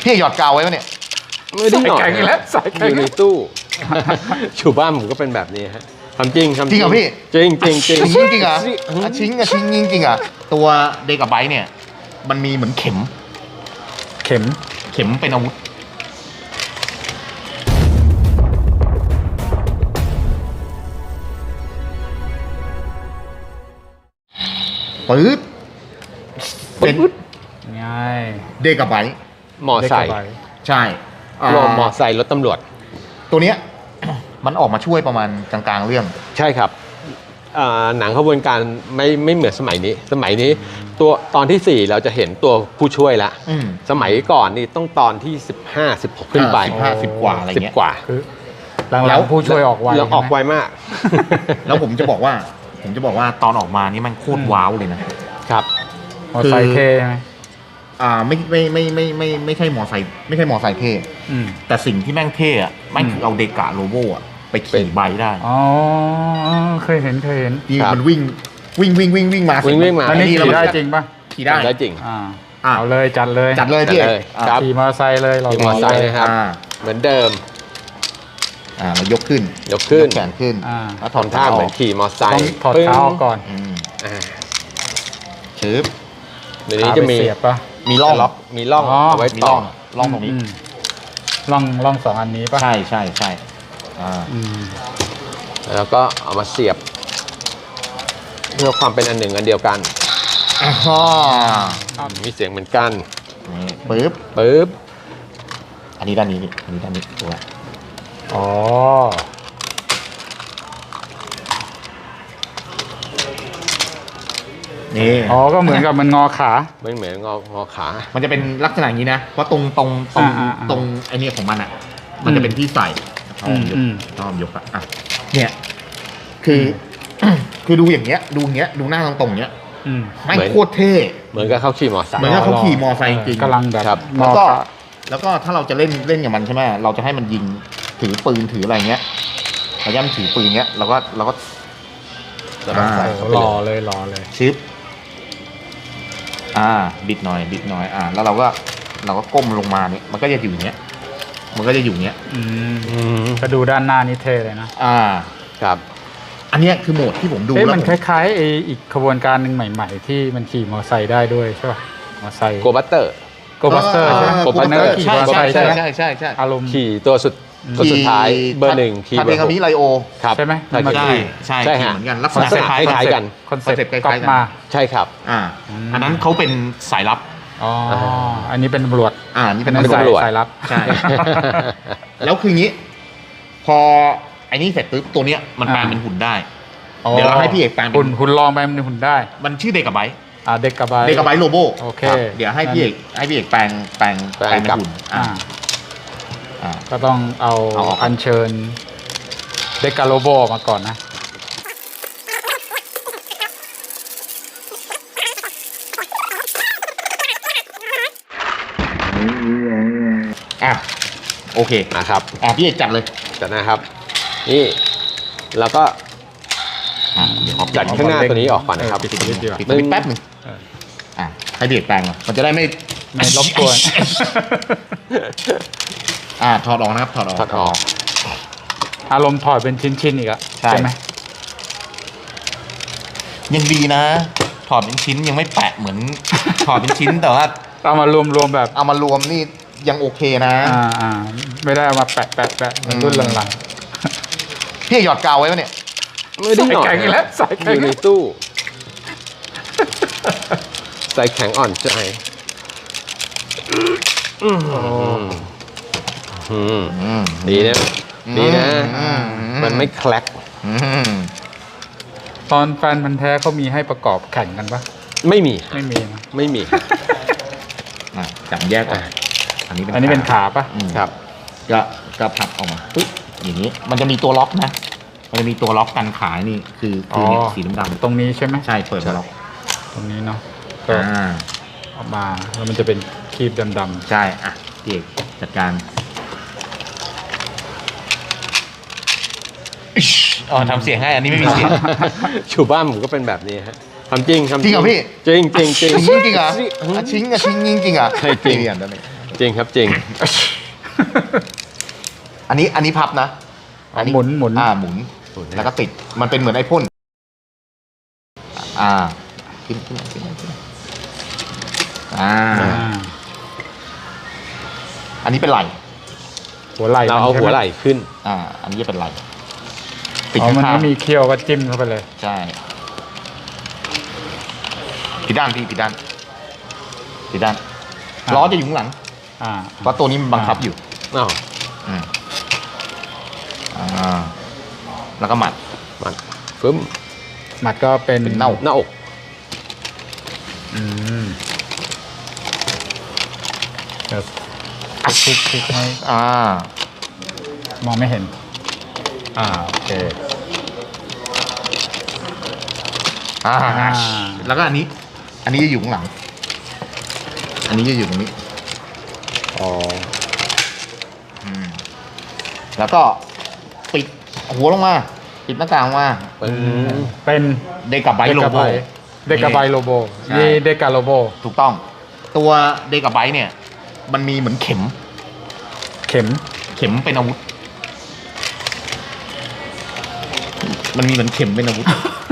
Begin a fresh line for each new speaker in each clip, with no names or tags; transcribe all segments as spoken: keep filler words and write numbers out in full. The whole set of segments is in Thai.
พี่หยอดกาวไว้ปะเนี่ย
ไม่ได้หยอด
แข็งแล้วใส่แข็ง
อยู่ในตู้อยู่บ้านผมก็เป็นแบบนี้ฮะทำจริงทำ
จริงเหรอพี่
จริงจริงจริง
จริงจริงเหรออ่ะชิงอะชิงจริงจริงอะตัวเดกะไบต์เนี่ยมันมีเหมือนเข็ม
เข็ม
เข็มเป็นอาวุธปื๊ดเป็น
ง่าย
เดกะไบต์
มอไซค์
เด็กกับใบ
ใช่อ่าร
วมมอไซค์รถตำรวจ
ตัวเนี้ย มันออกมาช่วยประมาณกลางๆเรื่อง
ใช่ครับอ่าหนังขบวนการไม่ไม่เหมือนสมัยนี้ สมัยนี้ตัวตอนที่สี่เราจะเห็นตัวผู้ช่วยละ
อืม
สมัยก่อนนี่ต้องตอนที่สิบห้า สิบหกขึ้นไป
สิบห้าสิบกว่าอะไร
สิบ
เงี้ย
กว่า
คือหลั
แล้
ง
ว
ๆผู้ช่วยออกไว
แล้วออกไว
ใช่หม
มาก
แล้วผมจะบอกว่า ผมจะบอกว่าตอนออกมานี่มันโคตรว้าวเลยนะ
ครับ
มอไซค์เท่ใช่ไหม
อ่าไม่ไม่ไม่ไม่ไม่ไม่ใช่มอไซค์ไม่ใช่มอไซค์เท่
อืม
แต่สิ่งที่แม่งเท่อะแม่งคือเอาเดกะโลโบอะไป
เป็
ขี่
น
ใบได้
อ๋อเคยเห็นเคยเห็น
ที่
ครับ
มันวิ่งวิ่งวิ่งวิ่งวิ่งมา
วิ่งวิ่งมา
อันนี้
ไอ้
ขี่
เรา
ได้จริงป่ะ
ขี่ได้
ได้จริง
อ่า
อ่ะ
เอาเลยจัดเลย
จัดเลยพี่
จัดเลย
อ่ะ
ครับ
ขี่มอเตอร์ไซค์เลยเรา
ขี่มอเตอร์ไซค์นะครับ
อ่า
เหมือนเดิม
อ่าเรายกขึ้น
ยกขึ้น
แขนขึ้น
อ่า
แล้วถอด
ทำท่าเหมือนขี่มอเตอร์ไซ
ต้อง
ค์
ถอด
ปึ้ง
เท้าออกก่อน
อืม
อ่า
ชืบ
เดี๋ยวนี้จะมี
ขาไปเสียบป่ะ
มีร่อง
ล็อกมีร่อง
อ๋อ
เอาไว้
มี
ต่
ร่
อ
องร่องตรงนี้
มล่องล่องสองอันนี้ป่ะ
ใช่ใช่ใช่อ่า
อืม
แล้วก็เอามาเสียบ เพื่อความเป็นอันหนึ่งอันเดียวกัน
อ่า
มีเสียงเหมือนกัน
นี่ปึ๊บ
ปึ๊บ
อันนี้ด้านนี้นี่อันนี้ด้านนี้ตัว
อ๋อ
นี่
อ๋อก็เหมือนกับมันงอขา
ไม่เหมือนงองอขา
มันจะเป็นลักษณะอย่างนี้นะ เพราะตรงตรงตรง
อ่าอ่าอ่า
ตรงไอเนี่ยของมันอ่ะ มันจะเป็นที่ใส่ชอบยก
อืม
ชอบยกอะอ่ะเนี่ย คือ คือดูอย่างเงี้ย ดูอย่างเงี้ย ดูหน้าตรงตรงๆเงี้ย
อืม
ไม่งโคตรเท่
เหมือนกับเข้าขี่มอเตอร์ไซ
เหมือน
ค์
กับเขาขี่มอไซค์จริงๆ
กำลังแบบ
ครับ
ง
แล้ว
อ
ก็
ขา
แล้วก็ถ้าเราจะเล่นเล่นกับมันใช่ไหมเราจะให้มันยิงถือปืนถืออะไรเงี้ยเราย่ำถือปืนเงี้ยเราก็เราก็
แล้วก็ใส่
โอ้
เข้าไป
รอ
เลย
เลยรอเลย
ชิปอ่า บิดหน่อย บิดหน่อย อ่า แล้วเราก็เราก็ก้มลงมาเนี่ยมันก็จะอยู่อย่างเงี้ย มันก็จะอยู่อย่างเงี้ย
อืม
อืม
ก็ดูด้านหน้านี้เท่เลยนะ
อ่า
ครับ
อันเนี้ยคือโหมดที่ผมดู
เอ๊ะ
แล้ว
มัน
ผ
คล้ายๆไอ้อีกขบวนการหนึ่งใหม่ ๆ ที่มันขี่มอเตอร์ไซค์ได้ด้วยใช่ป่ะมอเตอร์ไซค์
โกบัตเตอร์
โกบัสเตอร์ใช่ไหม
โกบัสเตอร์
นนั้นก็ขี่มอเตอร์ไซค์
ใช่
ใช่ไหม
ใช่ใช่ใช่
อารมณ์
ขี่ตัวสุดตัวสุดท้ายเบอร์หนึ่งขี่
ทา
เบ
เบ
อร์
คามิ
หก
ไลโอ
ครับ
ใช่ไหม
ใช่
มัน
ใช่
ขี่
ใช่
ใช่
ขี่
ฮะ
เหมือนกันลักษ
คอน
ณะ
เซ็ปต์
คล้าย
คล้ายๆกัน
คอนเซ็ปต์
คล้าย
ก๊อป
ๆกัน
มา
ใช่ครับ
อ่า
อืม
อันนั้นเขาเป็นสายลับ
อ๋ออันนี้เป็นตำรวจ
อ่า นี่เป็น
เป็น
ตำรวจ
ตำรวจ
สายลับ
ใช่ แล้วคืองี้ พอไอ้นี่เสร็จปุ๊บตัวเนี้ยมันแปลง
อ่า
เป็นหุ่นได้ เดี๋ยวเราให้พี่เอกแปลงเป็น
หุ่นหุ่นลองไปมันหุ่นได้
มันชื่อเดกะไบต์
อ่าเด็กกับใบ
เดกะไบต์โลโบ
โอเค
ครับเดี๋ยวให้พี่เอกให้พี่เอกแปลงแปลง
แปลง
เป็น
กับ
หุ่น
อ่า
อ่าอ่า
ก็ต้องเอา
เอาออก
อัญเชิญเด็กกาโลโบออกมาก่อนนะ
อ่ะโอเค
นะครับ
อ่ะพี่เอกจัดเลย
จัดนะครับ นี่แล้วก็
อ่ะเดี๋ยวขอ
จัดข้างหน้าตัวนี้ออกก่อนนะครับ
เปิดสวิตช์ดีกว่า
ปิดสวิตช์แป๊บหนึง
เออ
อ่ะให้พี่เอกแปลงก่อนมันจะได้ไม่
ไม่รบกวน
อ่าถอดออกนะครับถอดออก
ถอดออก
อารมณ์ถอดเป็นชิ้นๆอีกอะ
ใช่
ไหม
ยังดีนะ ถอดเป็นชิ้นยังไม่แปะเหมือน ถอดเป็นชิ้นแต่ว่า
เอามารวมๆแบบ
เอามารวมนี่ยังโอเคนะ
อ่าอ่าไม่ได้เอามาแปะแปะแปะเหมือนรุ่นหลัง
พี่หยอดกาวไว้ปะเนี่ย
ไม่ได้หยอด
ใส่แข็งอีกแล้วใส่แข็ง
อยู่ในตู้ ใส่แข็งอ่อนใจอืม
ๆโอ้
อืม
อืม
ดีนะ ดีนะ
อืม
มันไม่แคลก
อืม
ตอนแฟนพันธ์แท้เขามีให้ประกอบแข่งกันปะ
ไม่มี
ไม่มีนะ
ไม่มี
อ่ะจับแยกออก
อ่ะ
อันนี้เป็น
อันนี้เป็นขาปะ
อืม
ครับ
ก็ก็พับออกมาปึ๊บอย่างนี้มันจะมีตัวล็อกนะ มันจะมีตัวล็อกกันขายนี่คือคือเนี่ยสีดำ
ตรงนี้ใช่ไหม
ๆใช่เปิดมาล็อก
ตรงนี้เนาะก็
อ่า
ออกมาแล้วมันจะเป็นครีบดำๆ
ใช่อ่ะพี่เอกจัดการอิ๊ชอ๋อทำเสียงให้อันนี้ไม่มีเสียง
อยู่บ้านผมก็เป็นแบบนี้ฮะทำจริงทำ
จริงเหรอพี่
จริงจริงจริง
ชิงจริงเหรออ่ะชิงอะชิงจริงจริงเหรอ
ใช่จริง
เปลี่ยนแล้วนี่
จริงครับจริง
อันนี้อันนี้พับนะ อันนี้
หมุนหมุน
อ่าหมุน
หมุน
แล้วก็ติดมันเป็นเหมือนไอพ่นอ่าขึ้นขึ้นขึ้นขึ้นอ่า
อ่า
อันนี้เป็นไหล่
หัวไหล่
เราเอา
มันใช่
หัว
ไม
ไหล่ขึ้น
อ่า อันนี้จะเป็นไหล่ติด
อ๋อมัน
ข้าง
ไม่มีเคี้ยวก็จิ้มเข้าไปเลย
ๆใช่ผิดด้านพี่ผิดด้านผิดด้าน
อ่า
ล้อจะอยู่ข้างหลัง
อ่า
เพราะตัวนี้มันบังคับอยู่
อ้าว
อืมอ่าแล้วก็หมัด
มันฟึ้ม
หมัดก็เป็น
เป็นเน่า
หน้าอก
อืมเดี๋ยวคลิกคลิกให้
อ่า
มองไม่เห็น อ่าโอเค
อ่า
อ่า
แล้วก็อันนี้ อันนี้จะอยู่ข้างหลัง อันนี้จะอยู่ตรงนี้
อ๋อ
อืมแล้วก็ปิดหัวลงมา ปิดหน้าต่างลงมา
อืม
เป็น
เดกับไบโลโบ
เดกาไบโลโบ
ใช่
นี่เดกาโลโบ
ถูกต้อง ตัวเดกับไบเนี่ย มันมีเหมือนเข็ม
เข็ม
เข็มเป็นอาวุธ มันมีเหมือนเข็มเป็นอาวุธ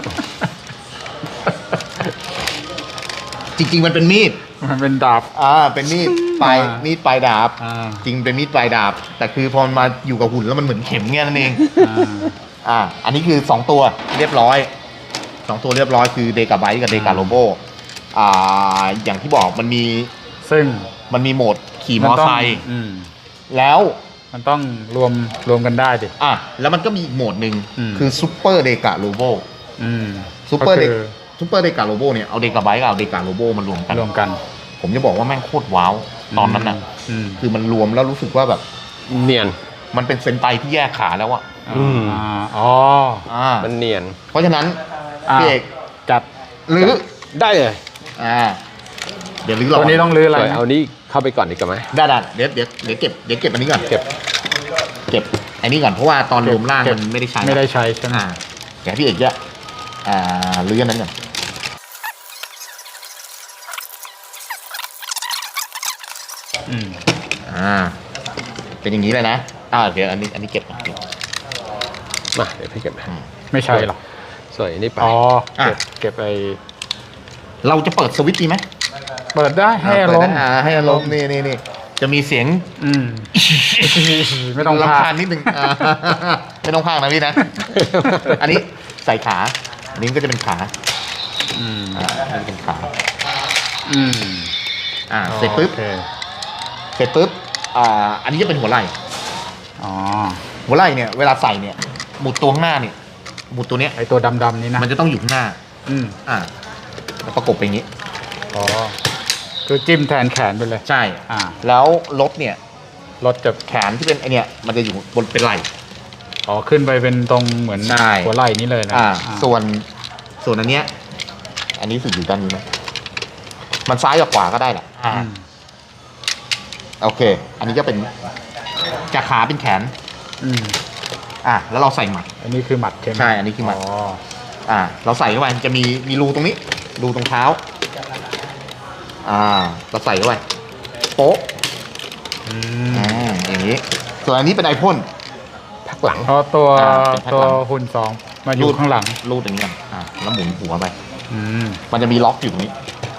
จริงๆมันเป็นมีด
มันเป็นดาบ
อ่า เป็นมีดปลาย
อ่ามี
มีดปลายดาบ
อ่า
จริงเป็นมีดปลายดาบ แต่คือพอมันมาอยู่กับหุ่นแล้วมันเหมือนเข็มเงี้ยนั่นเอง
อ่า
อ่า อันนี้คือสองตัวเรียบร้อย สองตัวเรียบร้อยคือเดกาไบกับเดกาโลโบ อ่า อย่างที่บอกมันมี
ซึ่ง
มันมีโหมดขี่มอไซค์
อืม
แล้ว
มันต้องรวมรวมกันได้ดิ
อ่ะ แล้วมันก็มีอีกโหมดหนึ่ง
อืม
คือซูเปอร์เดกาโลโบ
อืม
ซูเปอร์เด
ก็คือ
ซูเปอร์เดกาโลโบเนี่ย เอาเดกาไบกับเอาเดกาโลโบมารวมกัน
รวมกัน
ผมจะบอกว่าแม่งโคตรว้าว ตอนนั้นน่ะ
อืม
คือมันรวมแล้วรู้สึกว่าแบบ
เนียน
มันเป็นเซนไตที่แยกขาแล้วอะ
อืม
อ่าอ๋อ
อ่า
มันเนียน
เพราะฉะนั้น
อ่า
พี่เอก
จัด
หรือ
ได้เลย
อ่า เดี๋ยวลื้อร
ตัวนี้ต้องรื้ออะไร
สวย
นะ
เอานี้เข้าไปก่อนดีกว่าไหม
ได้ได้เดี๋ยวเดี๋ยวเดี๋ยวเก็บเดี๋ยวเก็บอันนี้ก่อน
เก็บ
เก็บอันนี้ก่อนเพราะว่าตอนรวมร่างมันไม่ได้ใช้
ไม่ได้ใช้ใช่ไหม
อ่าเดี๋ยวพี่เอกจะอ่าลื้ออันนั้นก่อน
อืม
อ่า เป็นอย่างนี้เลยนะอ่าเดี๋ยวอันนี้อันนี้เก็บก่อนเก็บ
มาเดี๋ยวพี่เก็บให้
ไม่ใช่หรอ
สวยนี่ไป
อ๋อ
อ่ะ
เก็บเก็บไป
เราจะเปิดสวิตช์ดีไหม
เปิดได้ให้อารมณ์
เปิดได้อ่าให้อารมณ์นี่นี่นี่จะมีเสียง
อืม ไม่ต้อง
รำ
พา
คาญนิดนึงอ่า ไม่ต้องพากนะพี่นะ อันนี้ใส่ขาอันนี้ก็จะเป็นขา
อืม
อ่าอันนี้เป็นขา
อืม
อ่า เสร็จปุ๊บ
โอเค
เสร็จปุ๊บ อ่า อันนี้จะเป็นหัวไหล่
อ๋อ
หัวไหล่เนี่ย เวลาใส่เนี่ย หมุดตัวข้างหน้าเนี่ย หมุดตัวเนี้ย
ไอตัวดำๆนี้นะ
มันจะต้องอยู่ข้างหน้า
อืม
อ่าแล้วประกบไปอย่างนี้
อ๋อ คือจิ้มแทนแขนไปเลย
ใช่
อ่า
แล้วรถเนี่ย
รถจะ
แขนที่เป็นไอเนี่ย มันจะอยู่บนเป็นไหล่
อ๋อ ขึ้นไปเป็นตรงเหมือน
ใช่
หัวไหล่นี้เลยนะ
อ่า
อ่า
ส่วน ส่วนอันเนี้ย อันนี้สึกอยู่ด้านนี้ไหมมันซ้ายกับขวาก็ได้แหละ อ่า
อืม
โอเค อันนี้ก็เป็นจากขาเป็นแขน
อืม
อ่า แล้วเราใส่หมัด
อันนี้คือหมัดใช่ไหม
ใช่ อันนี้คือหมัด
อ๋อ
อ่า เราใส่เข้าไปจะมีมีรูตรงนี้ รูตรงเท้า อ่า เราใส่เข้าไปโป๊ะ
อืม
อ่าอย่างนี้ ส่วนอันนี้เป็นไอพ่น
พักหลัง
เพราะตัว
อ่าเป็นแพ็ค
ตัว
หลัง
หุ่นสองมาอยู่ข้างหลัง
รูดอย่างนี้ก่อนอ่า แล้วหมุนหัวไป
อืม
มันจะมีล็อกอยู่ตรงนี้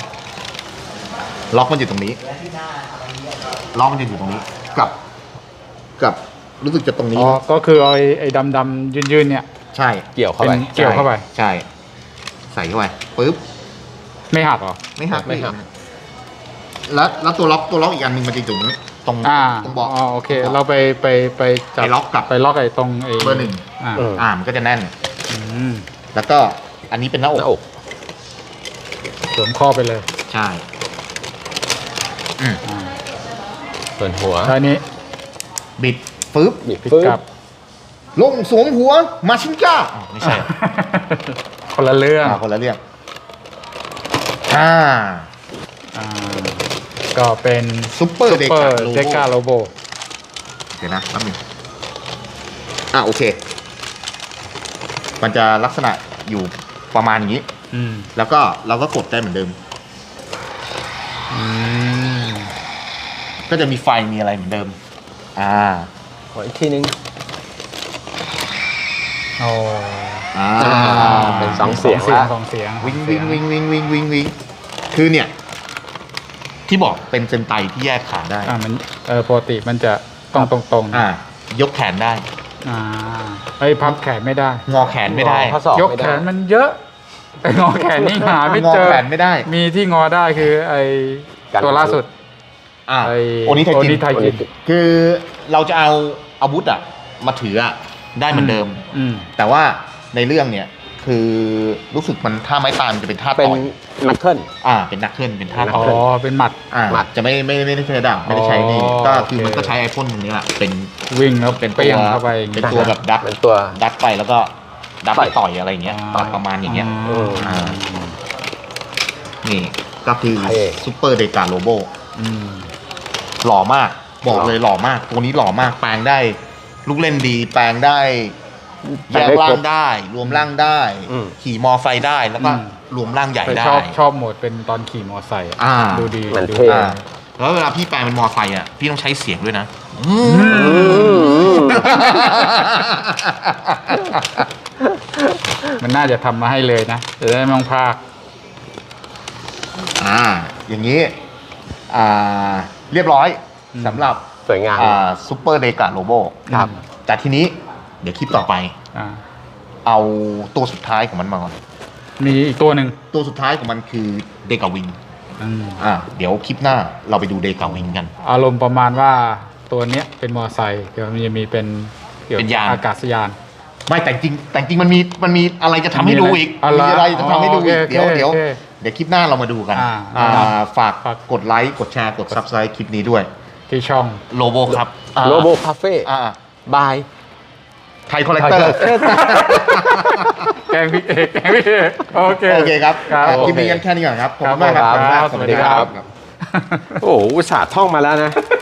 ล็อกมันอยู่ตรงนี้ ล็อกมันจะอยู่ตรงนี้ กับ กับรู้สึกจะตรงนี้
อ๋อ
นะ
ก็คือเอาไอ้ไอ้ดำๆยืนๆเนี่ย
ใช่
เกี่ยวเข้า
เป็
ไป
นเกี่ยวเข้าไป
ใช่ ใส่เข้าไปปึ๊บ
ไม่หักเหรอ
ไม่หัก
ไม่หัก
แล้วแล้วตัวล็อกตัวล็อกอีกอันหนึ่งมันจะอยู่ตรงนี้ตรง
อ่า
ตรงเบาะ
อ๋อโอเค
ตงบะ
เราไปไปไปจับ
ไปล็อกกับ
ไปล็อกไอ้ตรงไอ้
เบอร์หนึ่ง
อ่า
เออ
อ่ามันก็จะแน่น
อืม
แล้วก็อันนี้เป็นหน้าอ
ห
ก
น้าอก
สวมข้อไปเลย
ใช่อืม
อ่า
ส่วนหัว
แล้วอันนี้
บิดปึ๊บ
บิด
พลิก
ปึ๊บ
กลับ
ลงสวมหัวมาชินก้าอ้าวไม่ใช่
คนละเรื่อง
อ่าคนละเรื่องอ่า
อ่าก็เป็น
ซุปเปอร์เด
เปอ
กา
ร์
โล
เดกา
โบ
โลโบ
เดี๋ยวนะแป๊บนึงอ่าโอเค มันจะลักษณะอยู่ประมาณอย่างนี้
อืม
แล้วก็เราก็กดได้เหมือนเดิม
อืม
ก็จะมีไฟมีอะไรเหมือนเดิม อ่า
ขออีกทีนึง
โอ้
อ่า
เป็นสองเสียง
เสียง
ละ
สองเสียง
วิงวิงวิงวิงวิงวิงวิงคือเนี่ย ที่บอกเป็นเซนไตที่แยกขาได้
อ่ามันเออปกติมันจะต้องตรงๆ
อ่า ยกแขนได้
อ่าไอ้ยพับแขนไม่ได้
งอแขนไม่ได้
ข้อศอก
ยก
ไม่
แข
ได้
นมันเยอะไอ้งอแขนนี่หาไม่
งอ
เจอ
แขนไม่ได้
มีที่งอได้คือไอ้
กัน
ตัวล่าสุด
อ่า
ไอ้
โอนิไทย
โอ
จิ
นิ
น
ไทยจิน
คือเราจะเอาอาวุธอะมาถืออะได้เหมือนเดิม
อืม
แต่ว่าในเรื่องเนี่ย คือรู้สึกมันท่าไม้ตายมันจะเป็นท่า
เป็น
ต่อย
นักเคิล
อ่า เป็นนักเคลื่อนเป็นท่า
นัก
ต่
อ๋
อ
อย เป็นหมัด
อ่า
หมัด
จะไม่ไม่ไม่ได้ใช้ดาบไม่ได้ใช้นี่
อ๋อ
ก็คือ
โอเค
มันก็ใช้ไอพ่นตรงนี้แหละเป็น
วิ่งแล้ว
เป็น
เปรี้ยงเข้าไป
เป็นตัวแบบดัด
เป็นตัว
ดัดไปแล้วก็ดัดไป
ต่อย
ต่อยอะไรอย่างเงี้ยต่อยประมาณอย่างเงี้ย อ่า นี่ก็คือ
เท่
ซูเปอร์เดกาโลโบ
อืม
หล่อมาก บอกเลยหล่อมาก ตัวนี้หล่อมาก แปลงได้ ลูกเล่นดี แปลงได้
แปล
แย
ง
ก
ได้
ร่า
ครบ
งได้ รวมร่างได้
อืม
ขี่มอไซค์ได้ แล้วก็
อืม
รวมร่างใหญ่
แต่
ได้
ชอบชอบโหมดเป็นตอนขี่มอไซค์อะ
อ่า
ดูดี
มัน
ดู
เท่
ดี
อ่าแล้วเวลาพี่แปลงเป็นมอไซค์อ่ะ พี่ต้องใช้เสียงด้วยนะ
อืม
มันน่าจะทำมาให้เลยนะจะได้ไม่ต้องพาก
อ่า อย่างนี้ อ่า เรียบร้อยสำหรับ
สวยงาม
อ่าซูเปอร์เดกาโลโบ
ครับ
แต่ทีนี้ เดี๋ยวคลิปต่อไป
อ่า
เอาตัวสุดท้ายของมันมาก่อน
มีอีกตัวหนึ่ง
ตัวสุดท้ายของมันคือเดกาวิง
อืม
อ่า เดี๋ยวคลิปหน้าเราไปดูเดกาวิงกัน
อารมณ์ประมาณว่าตัวเนี้ยเป็นมอไซค์เดี๋ยวมันจะมีเป็นเกี่ยว
เป็น
กับ
ยาน
อากาศยาน
ไม่แต่จริงแต่จริงมันมีมันมีอะไรจะทำให้ดูอีก
อะไร
มีอะไรจะทำให้ดูอีก
อ๋อโอเค
เดี๋ยวเดี๋ยว
โอเค
เดี๋ยวคลิปหน้าเรามาดูกัน
อ่า
อ่า
ครับ
ฝาก
ฝาก
กดไลค์กดแชร์กด ซับสไครบ์ คลิปนี้ด้วย
ที่ช่อง
โลโบครับ
โลโบคาเฟ่
อ่า
บาย
ไทยคอลเลกเตอร์
แกงพี่เอกแกงพี่เอกโอเค
โอเคครับ
ครับ
อ่ะคลิป
โอเค
นี้กันแค่นี้ก่อนครับ ขอบคุณ
ครับ
มากครับ
ครับ
ขอบคุณมาก
สวัสดีครับ
โอ้โหอุตส่าห์ท่องมาแล้วนะ